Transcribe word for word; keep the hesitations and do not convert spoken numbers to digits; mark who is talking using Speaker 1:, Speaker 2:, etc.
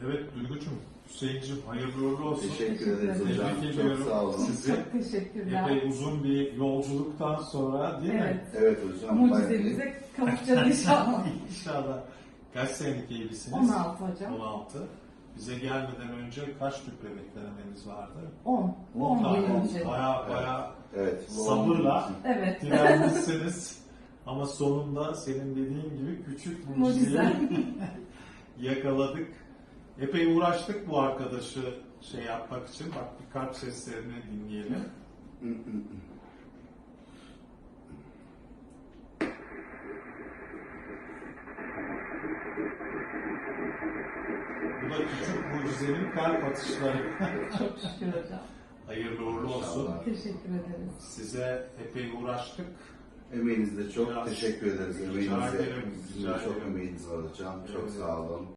Speaker 1: Evet Duygucuğum, Hüseyin'cim hayırlı uğurlu olsun.
Speaker 2: Teşekkür ederiz
Speaker 1: Tebrik
Speaker 2: hocam. Çok
Speaker 1: ediyorum
Speaker 2: sağ olun.
Speaker 1: sizi.
Speaker 3: Çok teşekkürler.
Speaker 1: Epey uzun bir yolculuktan sonra değil mi?
Speaker 3: Evet.
Speaker 2: Evet hocam.
Speaker 3: Mucizemize kavuşacağız inşallah.
Speaker 1: İnşallah. Kaç senelik evlisiniz?
Speaker 3: on altı hocam.
Speaker 1: on altı. Bize gelmeden önce kaç tüp bebek denemeniz vardı?
Speaker 3: on.
Speaker 2: On
Speaker 3: on yıl
Speaker 1: Tamam.
Speaker 3: önce.
Speaker 1: Baya baya
Speaker 2: Evet. bu
Speaker 1: sabırla
Speaker 3: Evet.
Speaker 1: direnmişsiniz. Ama sonunda senin dediğin gibi küçük mucizeyi
Speaker 3: Mucize.
Speaker 1: yakaladık. Epey uğraştık bu arkadaşı şey yapmak için. Bak bir kalp seslerini dinleyelim. Bu da küçük mucizenin kalp atışları.
Speaker 3: Çok şükür hocam.
Speaker 1: Hayırlı uğurlu olsun.
Speaker 2: İnşallah.
Speaker 3: Teşekkür ederiz.
Speaker 1: Size epey uğraştık.
Speaker 2: Emeğinizde çok
Speaker 1: Biraz-
Speaker 2: teşekkür ederiz.
Speaker 1: Rica
Speaker 2: Emeğinize,
Speaker 1: ederim,
Speaker 2: bizim
Speaker 1: rica
Speaker 2: de çok
Speaker 1: ederim.
Speaker 2: emeğiniz var hocam. Çok
Speaker 1: Evet.
Speaker 2: sağ olun.